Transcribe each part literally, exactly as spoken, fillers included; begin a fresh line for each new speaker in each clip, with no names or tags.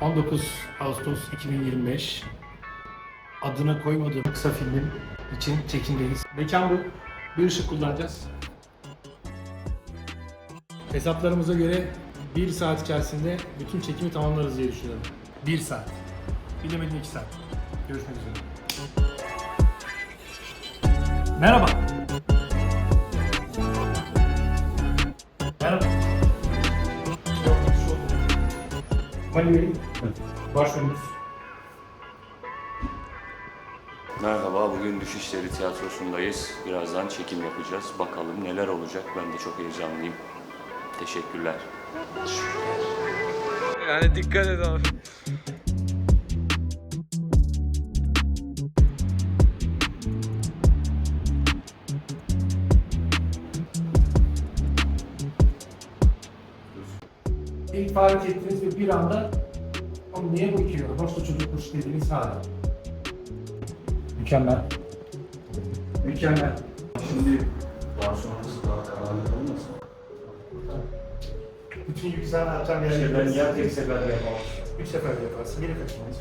on dokuz Ağustos iki bin yirmi beş adına koymadığım kısa filmim için çekimdeyiz. Mekan bu. Bir ışık kullanacağız. Hesaplarımıza göre bir saat içerisinde bütün çekimi tamamlarız diye düşünüyorum. Bir saat. Bilemedim iki saat. Görüşmek üzere. Merhaba. Merhaba. Mali Bey, başrolümüz.
Merhaba, bugün Düşüşleri Tiyatrosu'ndayız. Birazdan çekim yapacağız. Bakalım neler olacak. Ben de çok heyecanlıyım. Teşekkürler.
Yani dikkat et abi.
İlk fark ettiniz ve bir anda "Oğlum niye bakıyor? Nasıl çocukmuş" dediğiniz hala. Mükemmel. Mükemmel.
Şimdi daha sonrası daha kararlı olmasın?
Bütün yükselen artan yerleri ben ya tek seferde yapamam. Üç seferde yaparsın, geri kaçırmayız.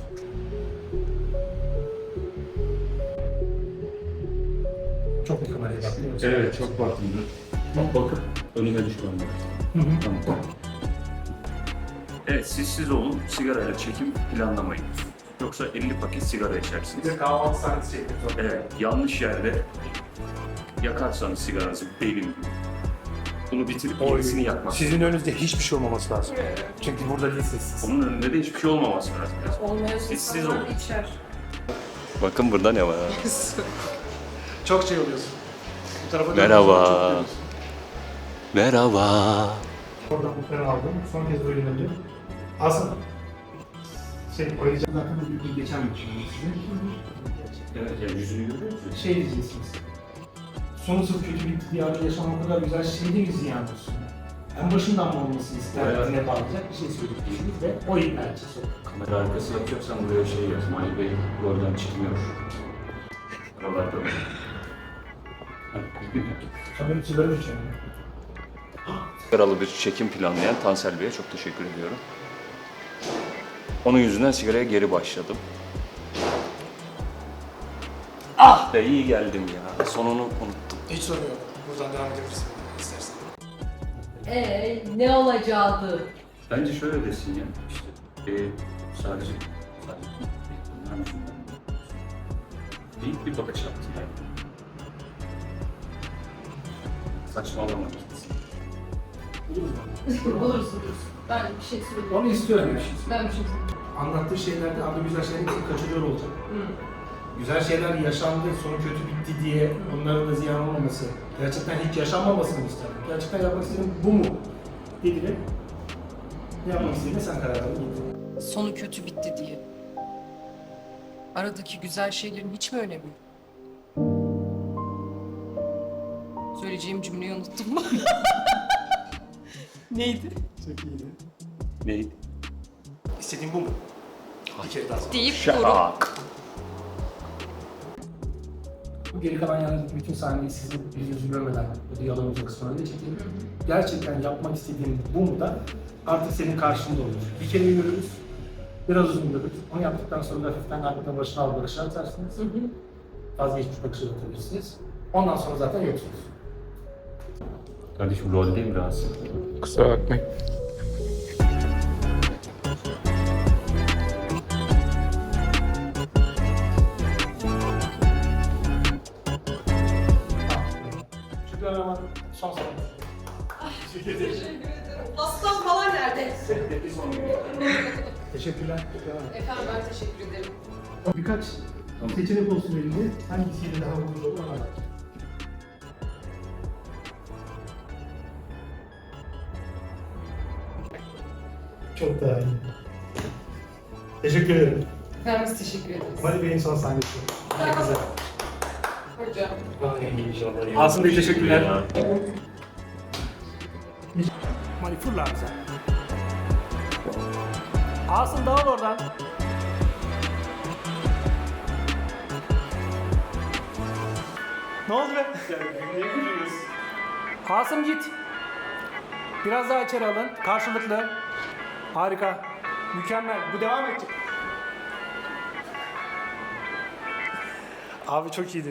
Çok mu kameraya baktın?
Evet, çok baktım. Bak bakıp önüme düşmem lazım. Tamam. Evet, siz siz olun, sigarayla çekim planlamayın. Yoksa elli paket sigara içersiniz.
Bir de kahvaltı sahnesi çekmek zorunda.
Evet, yanlış yerde yakarsanız sigaranızı benim gibi. Bunu bitirip yenisini yakmak.
Sizin önünüzde hiçbir şey olmaması lazım. Çünkü burada değilsiniz siz.
Onun önünde de hiçbir şey olmaması lazım.
Olmayan
Siz siz
insanlar
olun.
içer.
Bakın burada ne var?
Çok şey oluyorsun. Bu tarafa
Merhaba.
dönüyorsun, çok dönüyorsun.
Merhaba.
Oradan muhtarı aldım. Son kez böyle döndüm. Aslında şey koyacağım. Zaten bir gün geçen bir şey size.
Evet, yani yüzünü görüyor musunuz?
Şey diyeceksiniz. Sonu sırf kötü bitti diye arada yaşam o kadar güzel şey değil mi ziyan olsun? En başından mı olmasını isterdiniz ne bağlayacak bir şey söyleyeceksiniz ve o ilgilenci soru.
Kamera arkası yapacaksan buraya şey yaz. Mali Bey oradan çıkmıyor. Oralarda mı?
Tabii içilerim içiyorum.
Sigaralı bir çekim planlayan Tansel Bey'e çok teşekkür ediyorum. Onun yüzünden sigaraya geri başladım. Ah be iyi geldim ya. Sonunu unuttum.
Hiç sorun yok. Buradan devam edebilirsin istersen.
Eee ne olacaktı?
Bence şöyle desin ya. İşte e, sadece sadece bunlar yüzünden değil bir bakış attım yani. Saçmalama gitsin.
Buluruz buluruz. Ben bir şey söyleyeyim.
Onu istiyorum.
Ben bir şey söyleyeyim.
Anlattığı şeylerde adı güzel şeyler hepsini kaçırıyor olacak. Güzel şeyler yaşandı, sonu kötü bitti diye onların da ziyan olmaması, gerçekten hiç yaşanmamasını isterim. Gerçekten yapmak istediğim bu mu? Dediler. Ne yapmak istediğine sen karar verdin.
Sonu kötü bitti diye. Aradaki güzel şeylerin hiç mi önemi yok? Söyleyeceğim cümleyi unuttum. Neydi?
Çok iyiydi.
Neydi?
İstediğin bu mu? Bir kere daha sor.
Deyip durup
Şak.
Bu geri kalan yani bütün sahneyi sizin yüzünüzü görmeden bu diyaloğumuzun kısmına da çekelim. Gerçekten yapmak istediğin bu mu da artık senin karşında olur. Bir kere görürüz, biraz uzun görürüz. Onu yaptıktan sonra da hafiften kalbine başına al barışa atarsınız. Vazgeçmiş bakışı atabilirsiniz. Ondan sonra zaten yoksunuz.
Kardeşim rol değil biraz.
Kusura bakmayın.
Şükrü Hanım'a son sahne. Teşekkür ederim.
Aslan falan nerede?
Teşekkürler.
Efendim ben teşekkür ederim.
Birkaç seçenek olsun elinde. Hangisiyle daha uygun olur ona bak. Çok daha iyi. Teşekkür ederim.
Ben biz teşekkür ederiz.
Mali Bey'in son sahnesi. Ne güzel.
Hocam.
Asım Bey teşekkürler. Mali fırla bize. Asım dağıl oradan. Ne oldu be? Asım git. Biraz daha içeri alın. Karşılıklı. Harika. Mükemmel. Bu devam edecek. Abi çok iyiydi.